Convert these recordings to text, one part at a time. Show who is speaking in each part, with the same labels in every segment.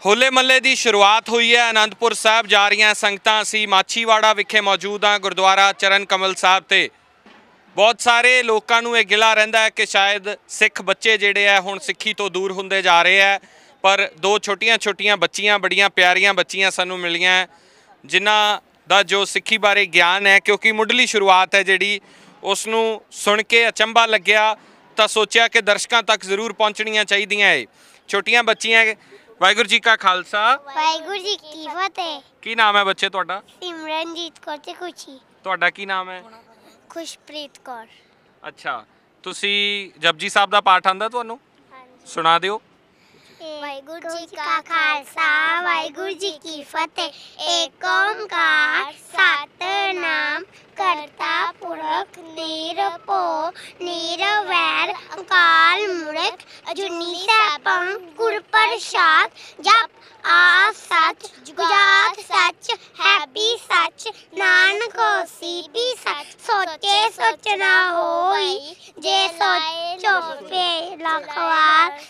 Speaker 1: ਹੋਲੇ ਮਹੱਲੇ ਦੀ ਸ਼ੁਰੂਆਤ ਹੋਈ ਹੈ। ਆਨੰਦपुर ਸਾਹਿਬ ਜਾ ਰਹੀਆਂ ਸੰਗਤਾਂ ਅਸੀਂ ਮਾਛੀਵਾੜਾ ਵਿਖੇ ਮੌਜੂਦ ਹਾਂ। ਗੁਰਦੁਆਰਾ ਚਰਨ ਕਮਲ ਸਾਹਿਬ ਤੇ ਬਹੁਤ ਸਾਰੇ ਲੋਕਾਂ ਨੂੰ ਇਹ ਗਿਲਾ ਰਹਿੰਦਾ ਹੈ ਕਿ ਸ਼ਾਇਦ ਸਿੱਖ ਬੱਚੇ ਜਿਹੜੇ ਆ ਹੁਣ ਸਿੱਖੀ ਤੋਂ ਦੂਰ ਹੁੰਦੇ ਜਾ ਰਹੇ ਆ। ਪਰ ਦੋ ਛੋਟੀਆਂ ਬੱਚੀਆਂ ਬੜੀਆਂ ਪਿਆਰੀਆਂ ਬੱਚੀਆਂ ਸਾਨੂੰ ਮਿਲੀਆਂ ਜਿਨ੍ਹਾਂ ਦਾ ਜੋ ਸਿੱਖੀ ਬਾਰੇ ਗਿਆਨ ਹੈ, ਕਿਉਂਕਿ ਮੁੱਢਲੀ ਸ਼ੁਰੂਆਤ ਹੈ ਜਿਹੜੀ ਉਸ ਨੂੰ ਸੁਣ ਕੇ ਅਚੰਭਾ ਲੱਗਿਆ ਤਾਂ ਸੋਚਿਆ ਕਿ ਦਰਸ਼ਕਾਂ ਤੱਕ ਜ਼ਰੂਰ ਪਹੁੰਚਣੀਆਂ ਚਾਹੀਦੀਆਂ ਇਹ ਛੋਟੀਆਂ ਬੱਚੀਆਂ। ਵਾਹਿਗੁਰੂ जी का खालसा
Speaker 2: वाहिगुरू जी की फतेह।
Speaker 1: की नाम है बच्चे ਤੁਹਾਡਾ?
Speaker 2: सिमरनजीत कौर ते खुशी।
Speaker 1: ਤੁਹਾਡਾ ਕੀ ਨਾਮ ਹੈ?
Speaker 2: खुशप्रीत कौर।
Speaker 1: ਅੱਛਾ, ਤੁਸੀਂ ਜਪਜੀ ਸਾਹਿਬ ਦਾ ਪਾਠ ਆਂਦਾ ਤੁਹਾਨੂੰ? ਸੁਣਾ ਦਿਓ।
Speaker 2: वाहिगुरू जी का खालसा वाहिगुरू जी की फतेह। एक ओंकार सतनाम करता पुरख निरभव निरवैर अकाल मूर्ख अजूनी सैभं गुर प्रसाद। जप आ सच जुगात सच है भी सच नानक होसी भी सच। सोचे सोचना होई जे सोचो पे लखवार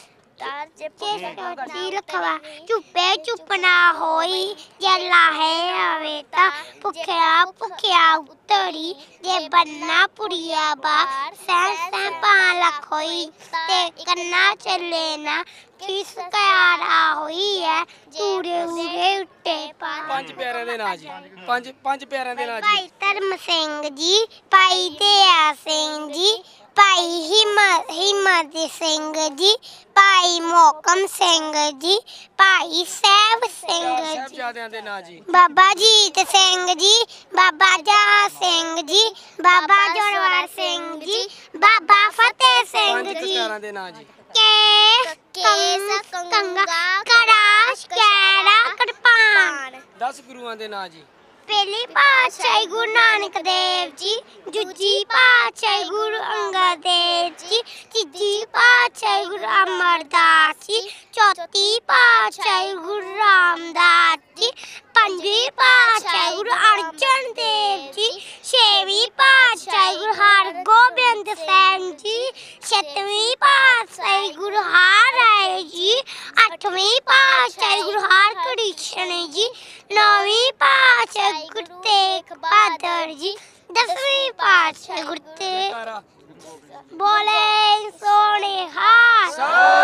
Speaker 2: चुपे चुप ना होई जे लाहे आवे ता भुखिया भुखिया उतरी जे बनना पुड़िया बार सह पा लख होई ते करना चले ना किस क्यारा होई है पूरे उरे उट्टे
Speaker 3: पंज प्यारे दे नाम जी। पंज प्यारे दे नाम जी।
Speaker 2: भाई धर्म सिंह जी, भाई दया सिंह जी, भाई हिम्मत सिंह जी, भाई मोहकम सिंह जी, भाई सैब सिंह जी, बाबा जीत सिंह जी, बाबा जहा सिंह जी, बाबा जोरवार सिंह जी, बाबा फतेह सिंह जी। कंगा कराश कैरा कृपान।
Speaker 3: 10 गुरुआं दे नाम जी।
Speaker 2: पहली पातशाही गुरु नानक देव जी, दूजी पातशाही गुरु अंगद देव जी, तीजी पातशाही गुरु अमरदास जी, चौथी पातशाही गुरु रामदास जी, पंजवीं पातशाही गुरु अर्जन देव जी, छेवीं पातशाही गुरु हरगोबिंद सिंह जी, सतवीं पातशाही गुरु हरराय जी, अठवीं पातशाही गुरु हरकृष्ण जी, नौवीं पातशाही गुरु तेग बहादुर जी, 10वीं पातशाही गुरु तेग बोले सोने हाथ।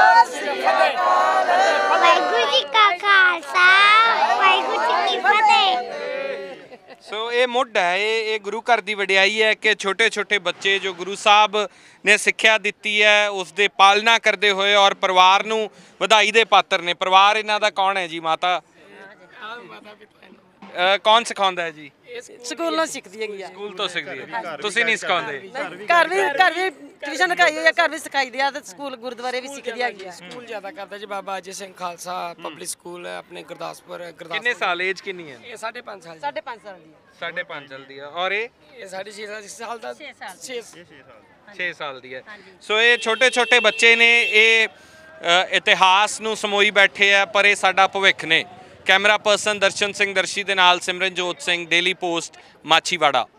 Speaker 2: वाहिगुरू जी का खालसा वाहिगुरू जी की फतेह।
Speaker 1: सो ये मुੱਢ है, ये गुरु घर की वडियाई है कि छोटे छोटे बच्चे जो गुरु साहब ने सिक्ख्या दी है उसके पालना करते हुए और परिवार नूं ਵਧਾਈ ਦੇ पात्र ने। परिवार इन्हां दा कौन है जी? माता कौन सिखाਉਂਦਾ है जी?
Speaker 3: ਸਕੂਲ ਨਾਲ ਸਿੱਖਦੀ ਹੈਗੀ ਆ।
Speaker 1: ਸਕੂਲ ਤੋਂ ਸਿੱਖਦੀ ਹੈ, ਤੁਸੀਂ ਨਹੀਂ ਸਿਖਾਉਂਦੇ?
Speaker 3: ਘਰ ਵੀ ਟਿਊਸ਼ਨ ਲਗਾਈ ਹੋਈ ਆ, ਘਰ ਵੀ ਸਿਖਾਈਦੀ ਆ ਤੇ ਸਕੂਲ ਗੁਰਦੁਆਰੇ ਵੀ ਸਿੱਖਦੀ ਹੈਗੀ ਆ। ਸਕੂਲ ਜ਼ਿਆਦਾ ਕਰਦਾ ਜੀ ਬਾਬਾ ਅਜੇ ਸਿੰਘ ਖਾਲਸਾ ਪਬਲਿਕ ਸਕੂਲ ਹੈ ਆਪਣੇ ਗੁਰਦਾਸਪੁਰ।
Speaker 1: ਕਿੰਨੇ ਸਾਲ ਏਜ ਕਿੰਨੀ ਹੈ?
Speaker 3: ਇਹ 5.5 ਸਾਲ। 5.5 ਸਾਲ ਦੀ ਹੈ।
Speaker 1: 5.5 ਸਾਲ ਦੀ ਹੈ। ਔਰ ਇਹ
Speaker 3: 6.5 ਸਾਲ ਦਾ
Speaker 1: 6 ਸਾਲ ਦੀ ਹੈ। ਸੋ ਇਹ ਛੋਟੇ ਛੋਟੇ ਬੱਚੇ ਨੇ, ਇਹ ਇਤਿਹਾਸ ਨੂੰ ਸਮੋਈ ਬੈਠੇ ਆ ਪਰ ਇਹ ਸਾਡਾ ਭਵਿੱਖ ਨੇ। कैमरा पर्सन दर्शन सिंह दर्शी के नाल सिमरनजोत सिंह, डेली पोस्ट, माछीवाड़ा।